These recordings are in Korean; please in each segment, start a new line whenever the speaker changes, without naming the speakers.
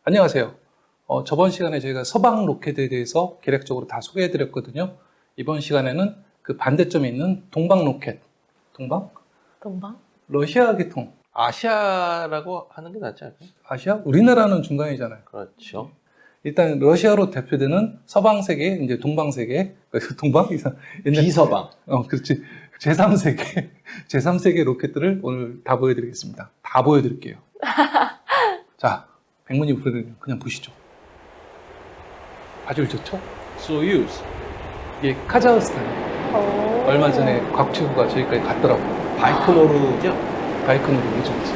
안녕하세요. 저번 시간에 저희가 서방 로켓에 대해서 개략적으로 다 소개해드렸거든요. 이번 시간에는 그 반대점에 있는 동방 로켓. 동방? 러시아 계통.
아시아라고 하는 게 낫지 않을까요?
아시아? 우리나라는 중간이잖아요.
그렇죠.
일단 러시아로 대표되는 서방 세계, 이제 동방 세계, 동방 이상 옛날
비서방.
그렇지. 제3세계, 제3세계 로켓들을 오늘 다 보여드리겠습니다. 다 보여드릴게요. 자, 백문이 불여일견 그냥 보시죠. 아주 좋죠?
소유즈.
이게 카자흐스탄이에요. 얼마 전에 곽튜브가 저기까지 갔더라고요.
바이크노르죠?
바이크노르 우주기지.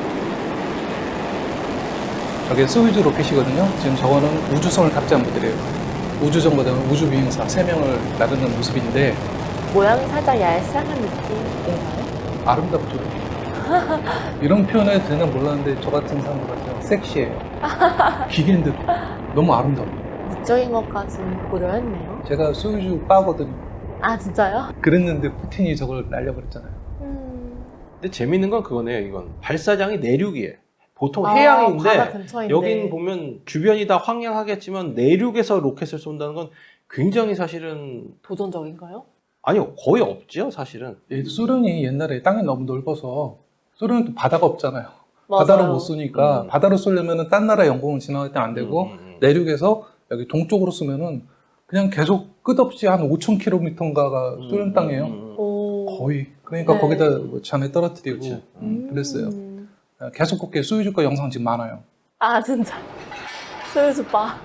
저게 소유즈 로켓이거든요. 지금 저거는 우주선을 탑재한 모델이에요. 우주정거장 우주비행사 3명을 나르는 모습인데
모양이 살짝 얄쌍한 느낌인가요?
아름답죠. 이런 표현을 해도 되나 몰랐는데 저 같은 사람들한테 섹시해요. 기계인데도 너무 아름다워요.
미적인 것까지 고려했네요.
제가 소유주 빠거든요.
아, 진짜요?
그랬는데 푸틴이 저걸 날려버렸잖아요.
근데 재밌는 건 그거네요, 이건. 발사장이 내륙이에요. 보통
바다
해양인데,
근처인데.
여긴 보면 주변이 다 황량하겠지만, 내륙에서 로켓을 쏜다는 건 굉장히 사실은,
도전적인가요?
아니요, 거의 없죠, 사실은.
소련이 옛날에 땅이 너무 넓어서 소련은 또 바다가 없잖아요.
맞아요.
바다로 못 쏘니까 바다로 쏘려면 딴 나라 영공을 지나갈 때 안 되고 내륙에서 여기 동쪽으로 쏘면은 그냥 계속 끝없이 한 5,000km인가가 소련 땅이에요.
오.
거의. 그러니까
네.
거기다 뭐 잔에 떨어뜨리고
그렇죠.
그랬어요. 계속 곱게 소유주 거 영상 지금 많아요.
아, 진짜. 소유주빠.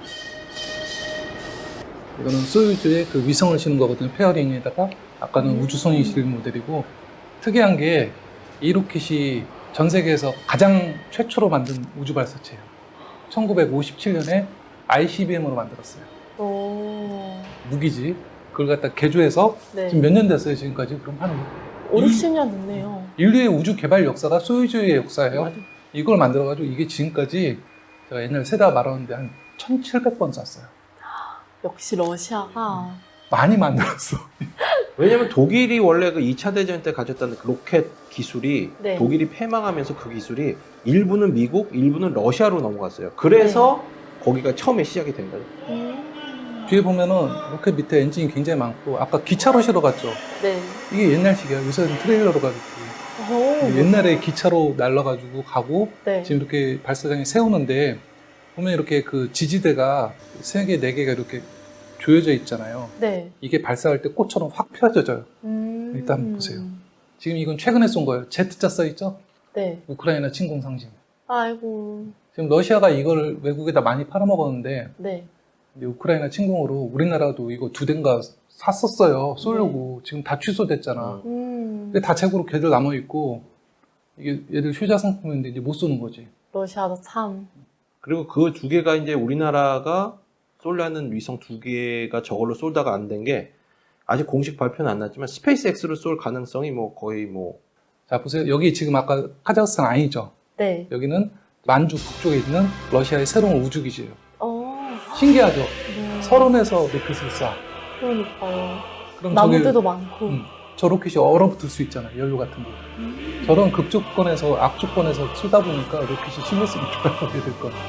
이거는 소유주의 그 위성을 싣는 거거든요. 페어링에다가 아까는 우주선이 실린 모델이고 특이한 게 이 로켓이 전 세계에서 가장 최초로 만든 우주 발사체예요. 1957년에 ICBM으로 만들었어요.
오.
무기지. 그걸 갖다 개조해서
네.
지금 몇 년 됐어요, 지금까지? 그럼 한
5, 60년 됐네요.
인류의 우주 개발 역사가 소유주의 역사예요.
맞아.
이걸 만들어가지고 이게 지금까지 제가 옛날에 세다 말하는데 한 1,700번 쐈어요.
역시 러시아가.
많이 만들었어.
왜냐면 독일이 원래 그 2차 대전 때 가졌다는 그 로켓 기술이
네.
독일이 패망하면서 그 기술이 일부는 미국, 일부는 러시아로 넘어갔어요. 그래서 거기가 처음에 시작이 된 거예요.
뒤에 보면은 로켓 밑에 엔진이 굉장히 많고 아까 기차로 실어 갔죠.
네.
이게 옛날식이야. 요새는 트레일러로 가겠지.
오.
옛날에 기차로 날라가지고 가고
네.
지금 이렇게 발사장에 세우는데 보면 이렇게 그 지지대가 3개, 4개가 이렇게 조여져 있잖아요.
네.
이게 발사할 때 꽃처럼 확 펴져져요. 일단 한번 보세요. 지금 이건 최근에 쏜 거예요. Z자 써있죠?
네.
우크라이나 침공 상징.
아이고.
지금 러시아가 이걸 외국에다 많이 팔아먹었는데
네.
이제 우크라이나 침공으로 우리나라도 이거 2대인가 샀었어요. 쏘려고. 지금 다 취소됐잖아. 근데 다 재고로 걔들 남아있고 이게 얘들 효자 상품인데 이제 못 쏘는 거지.
러시아도 참.
그리고 그 두 개가 이제 우리나라가 쏠려는 위성 2개가 저걸로 쏠다가 안 된 게 아직 공식 발표는 안 났지만 스페이스X로 쏠 가능성이 뭐 거의 뭐
자 보세요. 여기 지금 아까 카자흐스탄 아니죠?
네.
여기는 만주 북쪽에 있는 러시아의 새로운 우주기지예요. 신기하죠?
네.
서론에서 로켓을 쏴.
그러니까요.
그럼
나무들도 많고.
저 로켓이 얼어붙을 수 있잖아요. 연료 같은 거. 저런 극조건에서 악조건에서 쏘다 보니까 로켓이 실렸으면 좋아하게 될 거예요.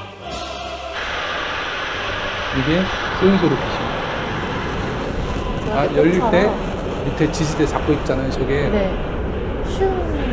이게 소유주 로켓입니다. 아, 열릴 때 밑에 지지대 잡고 있잖아요. 저게
네. 슝.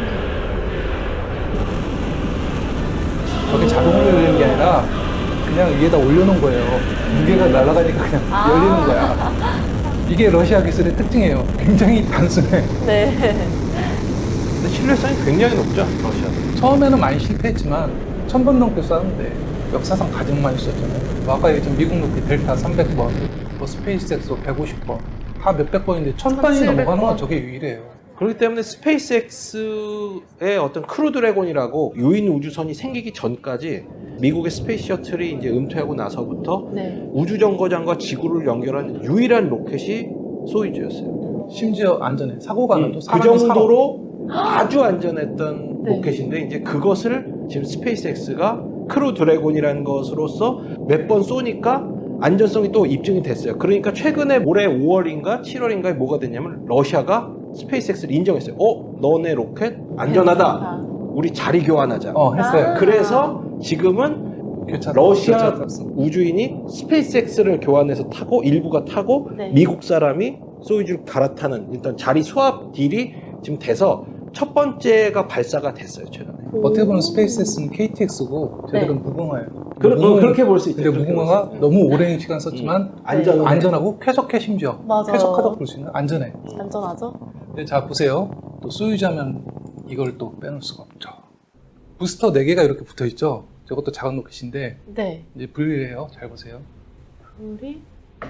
저게 자동으로 열리는 게 아니라 그냥 위에다 올려놓은 거예요. 무게가 날아가니까 그냥 열리는 거야. 이게 러시아 기술의 특징이에요. 굉장히 단순해.
네.
근데 신뢰성이 굉장히 높죠, 러시아.
처음에는 많이 실패했지만 1,000번 넘게 쐈는데 역사상 가장 많이 쐈잖아요. 뭐 아까 얘기했던 미국 로켓 델타 300번, 뭐 스페이스X 150번, 다 몇백 번인데 1,000번이 넘어가는 건 저게 유일해요.
그렇기 때문에 스페이스X의 어떤 크루 드래곤이라고 유인 우주선이 생기기 전까지 미국의 스페이스 셔틀이 이제 은퇴하고 나서부터
네.
우주 정거장과 지구를 연결한 유일한 로켓이 소유주였어요.
심지어 안전해. 사고가 나도
그
사람이
정도로 아주 안전했던
네.
로켓인데 이제 그것을 지금 스페이스X가 크루 드래곤이라는 것으로서 몇 번 쏘니까 안전성이 또 입증이 됐어요. 그러니까 최근에 올해 5월인가 7월인가에 뭐가 됐냐면 러시아가 스페이스X를 인정했어요. 너네 로켓 안전하다. 우리 자리 교환하자.
했어요.
그래서 지금은 러시아
교차
우주인이 스페이스X를 교환해서 타고 일부가 타고
네.
미국 사람이 소유주를 갈아타는 일단 자리 수합 딜이 지금 돼서 첫 번째가 발사가 됐어요 최근에.
어떻게 보면 스페이스X는 KTX고 저희들은 무궁화예요.
그렇게 볼 수 있죠.
근데
그렇게
무궁화가
볼수 있죠.
너무 오랜 시간 썼지만
안전
안전하고 쾌적해 심지어.
맞아요.
쾌적하다고 볼 수 있는 안전해.
안전하죠?
근데 자 보세요. 또 소유자면 이걸 또 빼놓을 수가 없죠. 부스터 4개가 이렇게 붙어 있죠. 저것도 작은 로켓인데
네.
이제 분리를 해요. 잘 보세요.
우리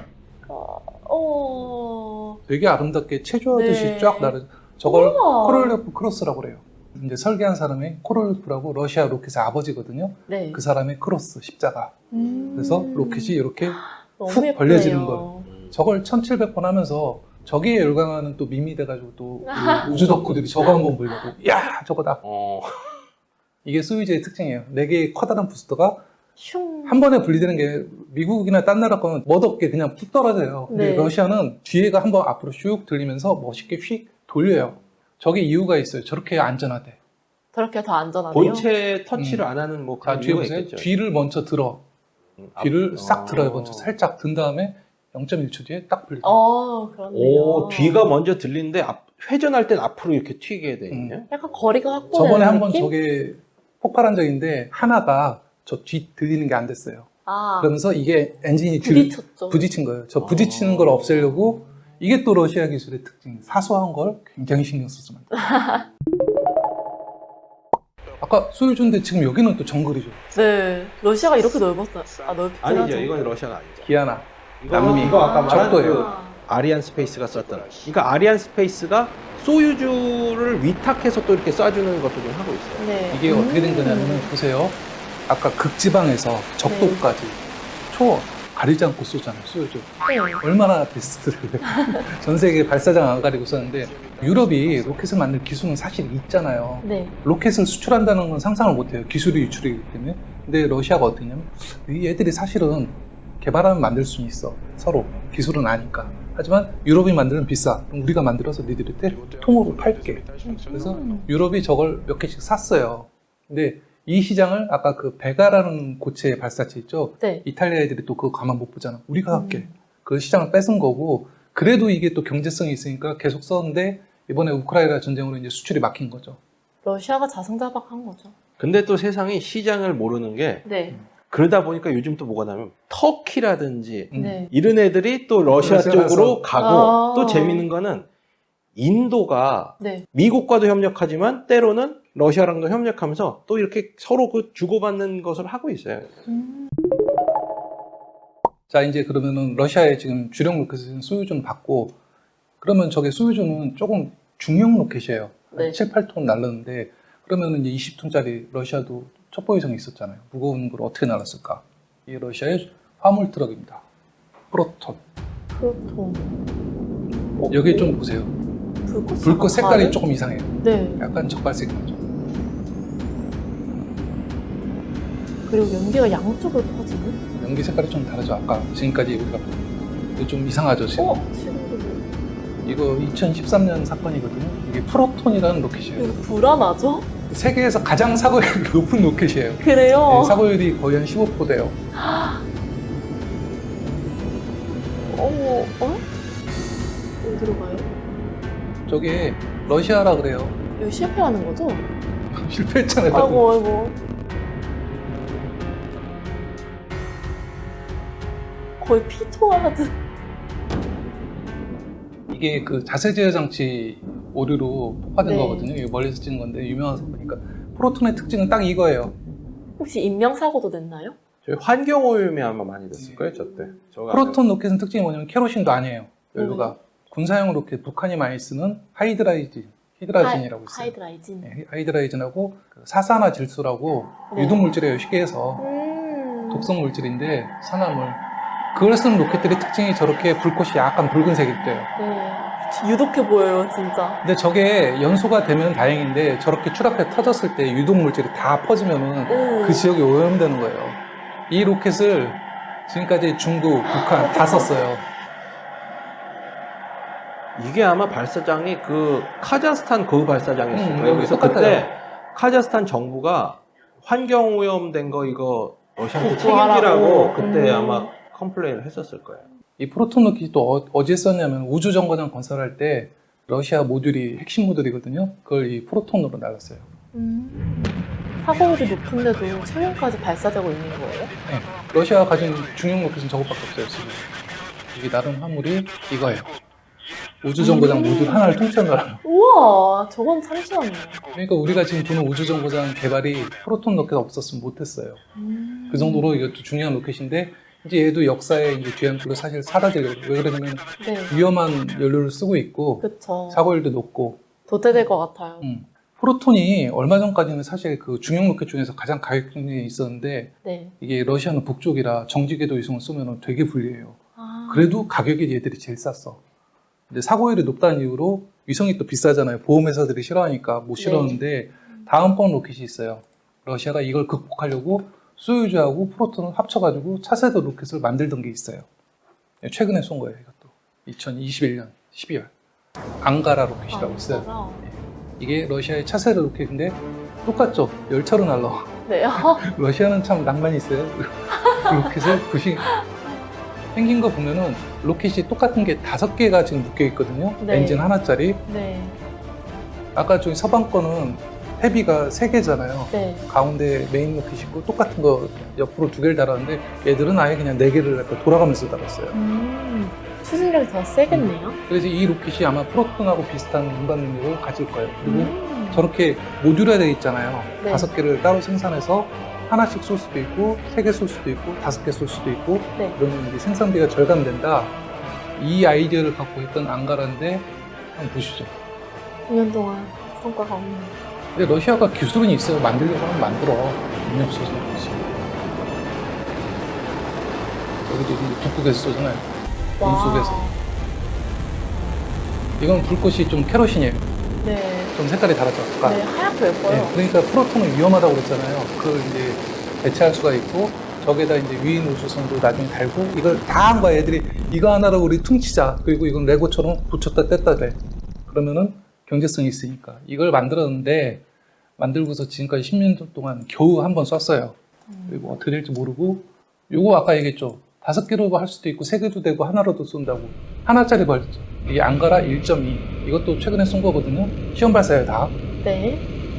되게 아름답게 체조하듯이
네.
쫙 나르. 저걸
우와.
코롤레프 크로스라고 그래요. 이제 설계한 사람이 코롤레프라고 러시아 로켓의 아버지거든요.
네.
그 사람의 크로스 십자가. 그래서 로켓이 이렇게
너무
훅
예쁘네요.
벌려지는 걸. 저걸 1700번 하면서 저기에 열광하는 또 밈이 돼가지고 또 우주 덕후들이 저거 한번 보려고 야 저거다. 이게 소유주의 특징이에요. 4개의 커다란 부스터가
슝.
한 번에 분리되는 게 미국이나 딴 나라 거는 멋없게 그냥 툭 떨어져요. 근데
네.
러시아는 뒤에가 한번 앞으로 슉 들리면서 멋있게 휙 돌려요. 저게 이유가 있어요. 저렇게 안전하대.
저렇게 더 안전하네요.
본체 터치를 안 하는 뭐
자,
그런
뒤에
이유가
보세요.
있겠죠.
뒤를 먼저 들어. 뒤를 싹 들어요. 먼저 살짝 든 다음에 0.1초 뒤에 딱 분리돼요.
그렇네요.
오, 뒤가 먼저 들리는데 회전할 땐 앞으로 이렇게 튀게 돼 있네요.
약간 거리가 확보되는
저번에 한번
느낌?
저게 폭발한 적인데 하나가 저 뒤 들리는 게 안 됐어요. 그러면서 이게 엔진이
부딪혔죠.
부딪힌 거예요. 저 부딪히는 걸 없애려고 이게 또 러시아 기술의 특징. 사소한 걸 굉장히 신경 써서 만들어요. 아까 소유주인데 지금 여기는 또 정글이죠.
네. 러시아가 이렇게 넓었어요. 넓긴
아니죠,
하죠.
이건 러시아가 아니죠.
기아나.
남미. 이거 아까 말한
적도예요.
그 아리안 스페이스가 썼던. 그러니까 아리안 스페이스가 소유주를 위탁해서 또 이렇게 쏴주는 것도 좀 하고 있어요.
네.
이게 어떻게 된 거냐면 보세요. 아까 극지방에서 적도까지 초원 가리지 않고 쏘잖아요. 소유주.
네.
얼마나 베스트를 전 세계 발사장 안 가리고 썼는데 유럽이 로켓을 만들 기술은 사실 있잖아요.
네.
로켓을 수출한다는 건 상상을 못해요. 기술이 유출이기 때문에. 근데 러시아가 어떠냐면 이 애들이 사실은 개발하면 만들 수 있어. 서로 기술은 아니까. 하지만 유럽이 만들면 비싸. 그럼 우리가 만들어서 니들한테 통으로 팔게. 그래서 유럽이 저걸 몇 개씩 샀어요. 근데 이 시장을 아까 그 베가라는 고체 발사체 있죠?
네.
이탈리아 애들이 또 그거 가만 못 보잖아. 우리가 할게. 그 시장을 뺏은 거고 그래도 이게 또 경제성이 있으니까 계속 썼는데 이번에 우크라이나 전쟁으로 이제 수출이 막힌 거죠.
러시아가 자승자박한 거죠.
근데 또 세상이 시장을 모르는 게
네.
그러다 보니까 요즘 또 뭐가 나면 터키라든지
네.
이런 애들이 또 러시아
러시아에서.
쪽으로 가고
아.
또 재밌는 거는 인도가
네.
미국과도 협력하지만 때로는 러시아랑도 협력하면서 또 이렇게 서로 그 주고받는 것을 하고 있어요.
자, 이제 그러면은 러시아의 지금 주력 로켓은 소유주는 받고 그러면 저게 소유주는 조금 중형 로켓이에요.
네.
7, 8톤 날랐는데 그러면은 이제 20톤짜리 러시아도 첩보위성이 있었잖아요. 무거운 걸 어떻게 날랐을까? 이 러시아의 화물 트럭입니다. 프로톤.
프로톤.
여기 좀 보세요. 불꽃 색깔이 조금 이상해요.
네.
약간 적갈색 나죠.
그리고 연기가 양쪽으로 퍼지는?
연기 색깔이 좀 다르죠. 아까 지금까지 우리가 본. 좀 이상하죠 지금.
지금도
이거 2013년 사건이거든요. 이게 프로톤이라는 로켓이에요.
이거 불안하죠?
세계에서 가장 사고율이 높은 로켓이에요.
그래요?
네, 사고율이 거의 한 15%대요.
어디로 가요?
저게 러시아라 그래요.
이거 실패하는 거죠?
실패했잖아요.
아이고. 거의 피토하듯.
이게 그 자세 제어 장치 오류로 폭파된
네.
거거든요. 이게 멀리서 찍은 건데 유명한 사건이니까. 프로톤의 특징은 딱 이거예요.
혹시 인명사고도 냈나요?
저희 환경오염이 아마 많이 됐을 거예요, 저때.
프로톤 로켓은 특징이 뭐냐면 케로신도 아니에요. 연료가. 군사용 로켓 북한이 많이 쓰는 히드라진이라고 있어요.
하이드라이진.
네, 하이드라이진하고 그 사산화 질소라고
네.
유독 물질이에요. 쉽게 해서 독성 물질인데 산화물. 그걸 쓰는 로켓들의 특징이 저렇게 불꽃이 약간 붉은색일 때요.
네. 유독해 보여요, 진짜.
근데 저게 연소가 되면 다행인데 저렇게 추락해 터졌을 때 유독 물질이 다 퍼지면은 그 지역이 오염되는 거예요. 이 로켓을 지금까지 중국, 북한 다 썼어요.
이게 아마 발사장이 그 카자흐스탄 그 발사장이었어요.
여기
그래서
똑같아요.
그때 카자흐스탄 정부가 환경오염된 거 이거 러시아한테
복구하라고.
책임지라고 그때
음.
아마 컴플레인을 했었을 거예요.
이 프로톤 로켓이 또 어디에 썼냐면 우주정거장 건설할 때 러시아 모듈이 핵심 모듈이거든요. 그걸 이 프로톤으로 날랐어요.
사고율이 높은데도 체면까지 발사되고 있는 거예요?
네. 러시아가 가진 중형 로켓은 저것밖에 없어요, 지금. 이게 나름 화물이 이거예요. 우주정거장 모듈 하나를 통째로 날아요.
우와, 저건 참신하네요.
그러니까 우리가 지금 보는 우주정거장 개발이 프로톤 로켓 없었으면 못했어요. 그 정도로 이것도 중요한 로켓인데 이제 얘도 역사의 이제 뒤안길로 사실 사라지려고. 왜 그러냐면
네,
위험한 연료를 쓰고 있고
그쵸.
사고율도 높고.
도태될 것 같아요.
프로톤이 얼마 전까지는 사실 그 중형 로켓 중에서 가장 가격이 있었는데
네.
이게 러시아는 북쪽이라 정지궤도 위성을 쏘면 되게 불리해요.
아,
그래도 가격이 얘들이 제일 쌌어. 근데 사고율이 높다는 이유로 위성이 또 비싸잖아요. 보험회사들이 싫어하니까 못 실었는데 다음번 로켓이 있어요. 러시아가 이걸 극복하려고 소유주하고 프로톤을 합쳐가지고 차세대 로켓을 만들던 게 있어요. 최근에 쏜 거예요, 이것도. 2021년 12월. 앙가라 로켓이라고 있어요.
진짜요?
이게 러시아의 차세대 로켓인데 똑같죠? 열차로 날라와.
네.
러시아는 참 낭만이 있어요. 로켓을 부식 생긴 거 보면은 로켓이 똑같은 게 5개가 지금 묶여 있거든요.
네.
엔진 하나짜리.
네.
아까 저기 서방 거는 헤비가 3개잖아요.
네.
가운데 메인 로켓이 있고 똑같은 거 옆으로 2개를 달았는데 얘들은 아예 그냥 4개를 돌아가면서 달았어요.
추진력이 더 세겠네요.
그래서 이 로켓이 아마 프로톤하고 비슷한 운반 능력을 가질 거예요. 그리고 저렇게 모듈화되어 있잖아요.
네.
5개를 따로 생산해서 하나씩 쏠 수도 있고 3개 쏠 수도 있고 5개 쏠 수도 있고
네.
그러면 이게 생산비가 절감된다. 이 아이디어를 갖고 있던 앙가라인데 한번 보시죠.
2년 동안 성과가 없는.
근데 러시아가 기술은 있어요. 만들려고 하면 만들어. 의미 없어서 그렇지. 여기도 이제 북극에서 쏘잖아요. 문 속에서. 이건 불꽃이 좀 캐로신이에요.
네.
좀 색깔이 다르죠. 아까.
네, 하얗고 예뻐요.
네, 그러니까 프로톤은 위험하다고 그랬잖아요. 그걸 이제 대체할 수가 있고 저기다 이제 위인 우주선도 나중에 달고 이걸 다 한 거야. 애들이 이거 하나로 우리 퉁치자. 그리고 이건 레고처럼 붙였다 뗐다 돼. 그러면은 경제성이 있으니까 이걸 만들었는데 만들고서 지금까지 10년 동안 겨우 한 번 썼어요. 그리고 어떻게 될지 모르고 요거 아까 얘기했죠. 5개로 할 수도 있고 3개도 되고 하나로도 쏜다고. 하나짜리 벌죠. 이게 앙가라 1.2 이것도 최근에 쏜 거거든요. 시험 발사예요 다.
네.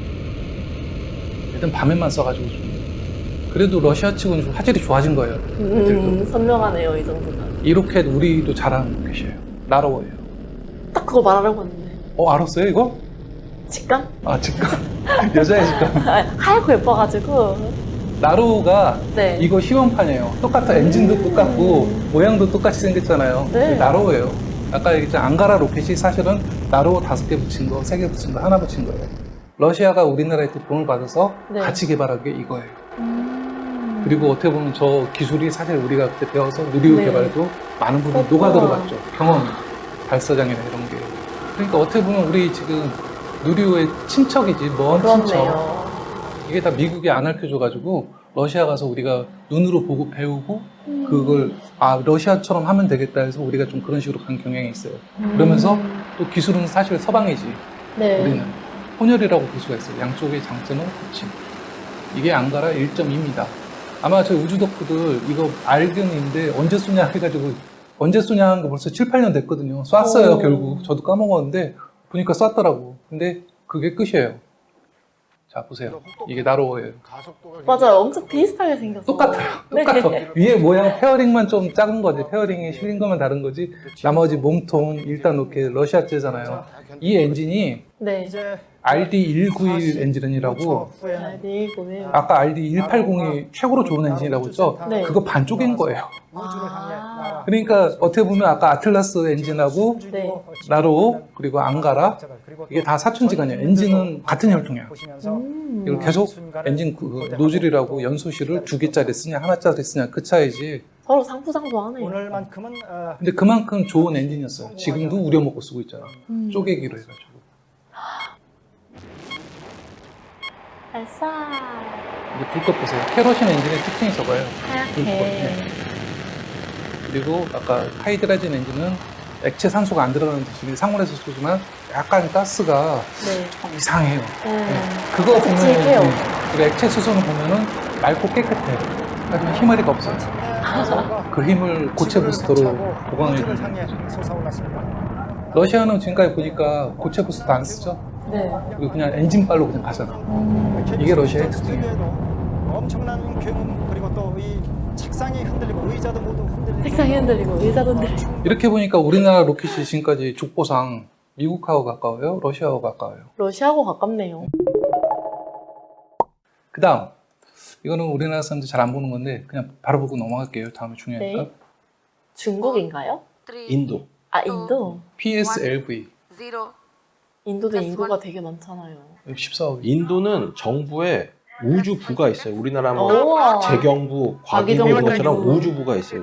일단 밤에만 써가지고 좀. 그래도 러시아 측은 좀 화질이 좋아진 거예요.
선명하네요, 이 정도면.
이 로켓 우리도 잘하는 로켓이에요. 나로워예요.
딱 그거 말하려고 했는데.
알았어요 이거?
직감?
아 직감. 여자의 직감.
하얗고 예뻐가지고.
나로우가
네.
이거 시험판이에요. 똑같아. 엔진도 똑같고 모양도 똑같이 생겼잖아요.
네.
나로우예요. 아까 얘기했잖아. 앙가라 로켓이 사실은 나로우 5개 붙인 거, 3개 붙인 거, 하나 붙인 거예요. 러시아가 우리나라에 돈을 받아서
네.
같이 개발한 게 이거예요. 그리고 어떻게 보면 저 기술이 사실 우리가 그때 배워서 누리호
네.
개발에도 많은 부분이
그렇구나.
녹아 들어갔죠. 경험이. 발사장이나 이런 게. 그러니까 어떻게 보면 우리 지금 누리호의 친척이지, 먼 친척.
그렇네요.
이게 다 미국이 안 알려줘가지고 러시아 가서 우리가 눈으로 보고 배우고 그걸 러시아처럼 하면 되겠다 해서 우리가 좀 그런 식으로 간 경향이 있어요. 그러면서 또 기술은 사실 서방이지.
네.
우리는 혼혈이라고 볼 수가 있어요. 양쪽의 장점은 그치. 이게 앙가라 1.2입니다. 아마 저희 우주덕후들 이거 알기는 있는데 언제 쏘냐 해가지고 언제 쏘냐 한 거 벌써 7, 8년 됐거든요. 쐈어요,
오.
결국. 저도 까먹었는데 보니까 쐈더라고. 근데 그게 끝이에요. 자, 보세요. 이게 나로워예요.
맞아요. 엄청 비슷하게 생겼어요.
똑같아요.
네.
똑같아. 위에 모양 페어링만 좀 작은 거지. 페어링이 실린 것만 다른 거지. 나머지 몸통 일단 이렇게 러시아제잖아요. 이 엔진이
네.
RD191 엔진이라고
네, 이거는.
아까 RD180이 최고로 좋은 엔진이라고 했죠?
네.
그거 반쪽인 거예요.
아.
그러니까 어떻게 보면 아까 아틀라스 엔진하고
네.
나로 그리고 앙가라 이게 다 사춘지간이에요. 엔진은 같은 혈통이야. 이걸 계속 엔진 그 노즐이라고 연소실을 2개짜리 쓰냐 하나짜리 쓰냐 그 차이지.
서로 상부상조하네요.
오늘만큼은
근데 그만큼 좋은 엔진이었어요. 지금도 우려먹고 쓰고 있잖아. 쪼개기로 해가지고.
발사.
이제 불꽃 보세요. 캐로신 엔진의 특징이 저거예요. 불꽃.
하얗게.
네. 그리고 아까 하이드라진 엔진은 액체 산소가 안 들어가는 대신에 상온에서 쏘지만 약간 가스가
네.
좀 이상해요.
네.
그거 보면
칙칙해요.
그리고 액체 수소는 보면은 맑고 깨끗해. 하지만 희마리가 없어요. 그 힘을 고체 부스터로 보강해 주는 거죠. 러시아는 지금까지 보니까 고체 부스터 안 쓰죠.
네.
그리고 그냥 엔진발로 그냥 가잖아. 이게 러시아의 특징이에요.
엄청난 굉음 그리고 또 이 책상이 흔들리고 의자도 모두 흔들리고
책상이 흔들리고 의자도 흔들리고.
이렇게 보니까 우리나라 로켓이 지금까지 족보상 미국하고 가까워요? 러시아하고 가까워요?
러시아하고 가깝네요.
그 다음 이거는 우리나라 사람들 잘 안 보는 건데 그냥 바로 보고 넘어갈게요. 다음에 중요하니까.
네. 중국인가요?
인도.
아, 인도?
PSLV
인도도 인구가 되게 많잖아요.
14억.
인도는 정부에 우주부가 있어요. 우리나라 뭐
우와.
재경부, 과기부
과기정부.
이런 것처럼 우주부가 있어요.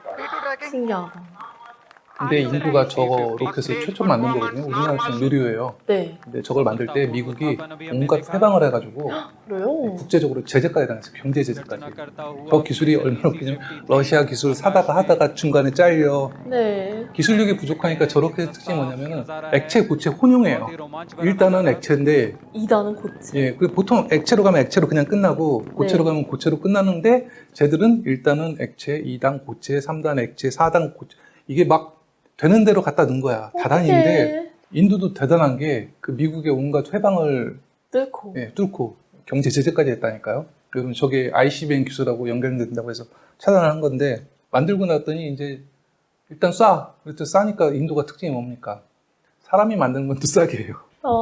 신기하다.
근데 인도가 저거 로켓을 최초로 만든 거거든요. 우리나라처럼 누리호예요.
네.
근데 저걸 만들 때 미국이 온갖 해방을 해가지고
그래요?
국제적으로 제재까지 당했어요. 경제 제재까지. 저 기술이 얼마나 웃기냐면 러시아 기술 사다가 하다가 중간에 잘려.
네.
기술력이 부족하니까 저렇게 특징이 뭐냐면은 액체 고체 혼용이에요. 일단은 액체인데
2단은 고체.
예, 그 보통 액체로 가면 액체로 그냥 끝나고 고체로
네.
가면 고체로 끝나는데 쟤들은 1단은 액체, 2단 고체, 3단 액체, 4단 고체 이게 막 되는 대로 갖다 넣은 거야. 다단인데
어떡해.
인도도 대단한 게 그 미국의 온갖 회방을
뚫고.
예, 뚫고 경제 제재까지 했다니까요. 그러면 저게 ICBM 기술하고 연결된다고 해서 차단을 한 건데 만들고 났더니 이제 일단 쏴. 그랬더니 싸니까 인도가 특징이 뭡니까? 사람이 만드는 건 또 싸게 해요.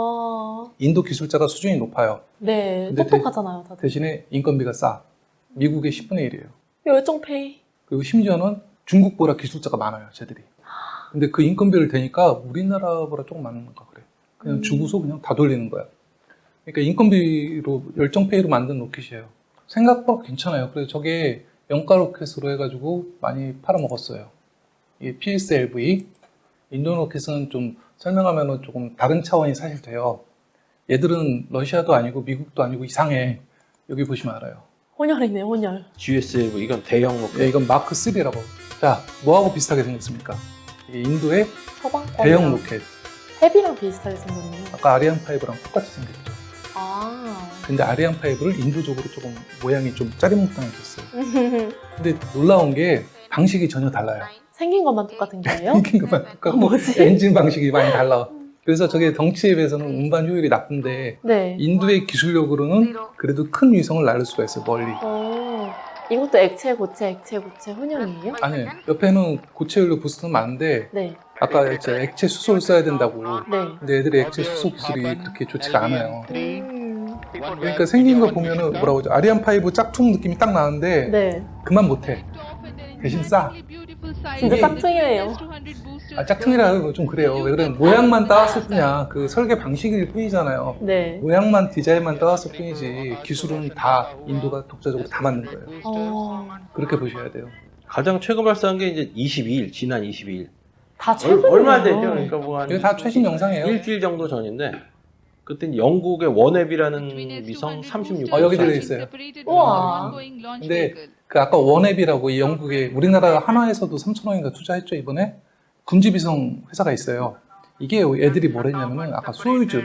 인도 기술자가 수준이 높아요.
네.
근데
똑똑하잖아요, 다들.
대신에 인건비가 싸. 미국의 10분의 1이에요.
열정페이.
그리고 심지어는 중국보다 기술자가 많아요, 쟤들이. 근데 그 인건비를 대니까 우리나라보다 조금 많은가 그래. 그냥 주고서 그냥 다 돌리는 거야. 그러니까 인건비로 열정페이로 만든 로켓이에요. 생각보다 괜찮아요. 그래서 저게 영가 로켓으로 해가지고 많이 팔아먹었어요. 이 PSLV 인도 로켓은 좀 설명하면 조금 다른 차원이 사실 돼요. 얘들은 러시아도 아니고 미국도 아니고 이상해. 여기 보시면 알아요.
혼혈이네, 혼혈.
GSLV 이건 대형 로켓.
예, 이건 마크 3라고. 자, 뭐하고 비슷하게 생겼습니까? 이게 인도의
서방권.
대형 로켓.
헤비랑 비슷하게 생겼네요.
아까 아리안 5랑 똑같이 생겼죠.
아.
근데 아리안 5를 인도적으로 조금 모양이 좀 짜리몽땅해졌어요. 근데 놀라운 게 방식이 전혀 달라요.
생긴 것만 똑같은 거예요?
생긴 것만 똑같고
뭐지?
엔진 방식이 많이 달라. 그래서 저게 덩치에 비해서는 운반 효율이 나쁜데
네.
인도의 기술력으로는 그래도 큰 위성을 날릴 수가 있어요. 멀리.
이것도 액체, 고체, 액체, 고체 혼혈이에요?
아니, 옆에는 고체연료 부스트는 많은데
네.
아까 액체 수소를 써야 된다고.
네.
근데 애들이 액체 수소 기술이 그렇게 좋지가 않아요. 그러니까
네.
생긴 거 보면은 뭐라고 하죠? 아리안 5 짝퉁 느낌이 딱 나는데
네.
그만 못해. 대신 싸.
진짜 짝퉁이네요.
아, 짝퉁이라 좀 그래요. 왜 그러면 모양만 따왔을 뿐이야. 그 설계 방식일 뿐이잖아요.
네.
모양만 디자인만 따왔을 뿐이지 기술은 다 인도가 독자적으로 다 만든 거예요. 그렇게 보셔야 돼요.
가장 최근 발사한 게 이제 22일, 지난 22일.
다 최근이에요.
얼마 안 됐죠? 그러니까 뭐한
이거 다 최신 영상이에요.
일주일 정도 전인데 그때 영국의 원앱이라는 위성 36.
여기 들어있어요.
우와.
근데 그 아까 원앱이라고 이 영국의 우리나라 하나에서도 3,000원인가 투자했죠 이번에? 군지비성 회사가 있어요. 이게 애들이 뭘 했냐면은 아까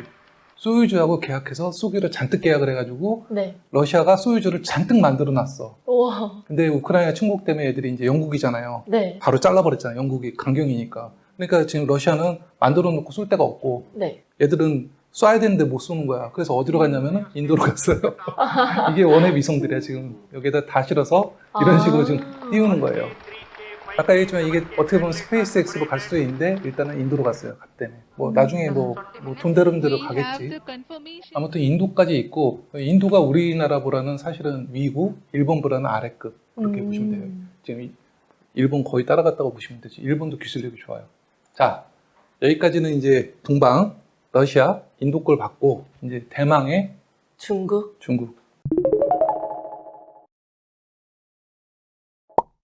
소유주하고 계약해서 쏘기를 잔뜩 계약을 해가지고
네.
러시아가 소유주를 잔뜩 만들어 놨어.
우와.
근데 우크라이나 침공 때문에 애들이 이제 영국이잖아요.
네.
바로 잘라버렸잖아요. 영국이 강경이니까. 그러니까 지금 러시아는 만들어 놓고 쏠 데가 없고
네.
얘들은 쏴야 되는데 못 쏘는 거야. 그래서 어디로 갔냐면은 인도로 갔어요. 이게 원앱 위성들이야 지금. 여기다 다 실어서 이런 식으로 지금 띄우는 거예요. 아까 얘기했지만 이게 어떻게 보면 스페이스X로 갈 수도 있는데 일단은 인도로 갔어요. 갔대네. 뭐 나중에 뭐 돈 되는 대로 가겠지. 아무튼 인도까지 있고 인도가 우리나라보다는 사실은 위고 일본보다는 아래급 그렇게 보시면 돼요. 지금 일본 거의 따라갔다고 보시면 되지. 일본도 기술력이 좋아요. 자, 여기까지는 이제 동방, 러시아, 인도 걸 받고 이제 대망의
중국.
중국.